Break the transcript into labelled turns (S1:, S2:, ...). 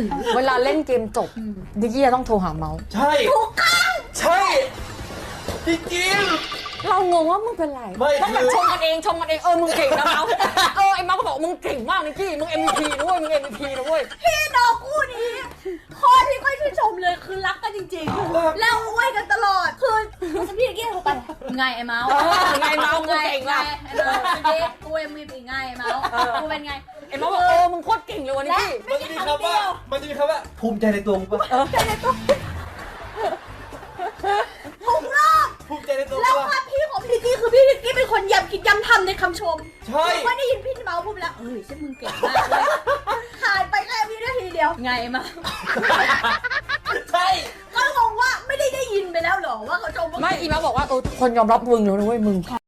S1: เวลาเล่นเกมจบนิกกี้จะต้องโทรหาเมาส์
S2: ใช่ถูกต้องใช่จริง
S1: เรางงว่ามึงเป็นไร
S2: ไม่
S1: ต้องแบบ
S2: คือ
S1: ชมกันเองมึงเก่งนะเมาส์ไอ้เมาส์ก็บอกมึงเก่งมากนิกกี้มึง MVP นะเว้ยมึง MVP นะเว้ย
S3: พี่น้องคู่นี้ข้อที่ค่อยชื่นชมเลยคือรักกันจริงๆแล้วอวยกันตลอดคือพี่นิกกี้โทรไปไงไอ้เมาส์
S1: ไงเมาส์มึงเก่งว่ะ
S3: ไอ้เมาส์กูเอ็มวีปีไงไอ้เมาส์กูเป็นไง
S1: ไอ้เมาส์บอกมึงโคตรเก่งเลยวันนี้พี่
S2: มันจะมีคำว่าภูมิใจในตัวมึงปะ
S3: ทุกรอบ
S2: ภูมิใจในตัวมึ
S3: แล้ว
S2: งปะ
S3: ความพี่ของพี่นิกกี้คือพี่นิกกี้เป็นคนย้ำคิดย้ำทำในคำชม
S2: ใช่
S3: ว่าได้ยินพี่เมาส์พูดไปแล้วใช่มึงเก่งมากเลยผ่านไปแค่วินาทีเดียวไงไอ้เมาส์
S2: ใช่
S3: ก็งงว่าไม่ได้ยินไปแล้วเหรอว่าเขาชมว่า
S1: ไม่อีเมาส์บอกว่าทุกคนยอมรับมึงแล้วนะเว้ยมึง